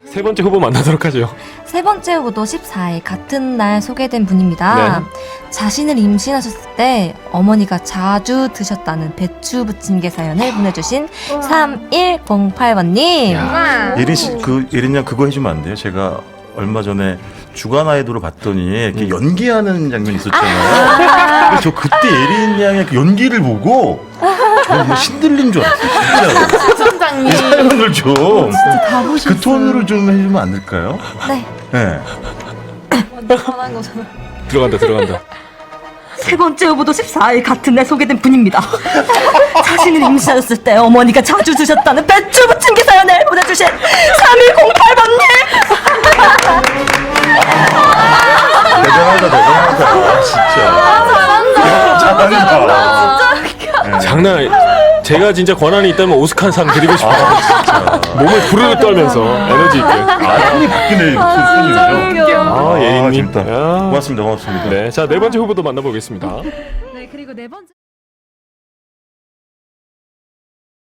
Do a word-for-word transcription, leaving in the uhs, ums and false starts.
세 번째 후보 만나도록 하죠. 세 번째 후보도 십사 일 같은 날 소개된 분입니다. 네. 자신을 임신하셨을 때 어머니가 자주 드셨다는 배추 부침개 사연을 보내주신 삼일공팔 번님. 야. 예린 씨, 그 예린 양 그거 해주면 안 돼요? 제가 얼마 전에 주간 아이돌을 봤더니 이렇게 음. 연기하는 장면이 있었잖아요. 그래서 저 그때 예린 양의 그 연기를 보고 저뭐 신들린 줄 알았어요. 진짜로. 수선장님. 이 사연을 좀 그 진짜 다 보셨어요. 톤으로 좀 해주면 안 될까요? 네. 네. 편한 거잖아. 들어간다 들어간다. 세 번째 후보도 십사 일 같은 날 소개된 분입니다. 자신을 임신하셨을 때 어머니가 자주 드셨다는 배추 부침개 사연을 보내주신 삼일공팔 번님. 대단하다, 대단하다. 아, 진짜. 잘한다. 네. 장난 아니. 제가 진짜 권한이 있다면 오스카상 드리고 싶어요. 아, 진짜. 몸을 부르르 떨면서 에너지 있게. 아, 손이 바뀌네, 손이요. 아, 예인님. 재밌다. 야. 고맙습니다, 고맙습니다. 네, 자 네 번째 후보도 만나보겠습니다. 네, 그리고 네 번째.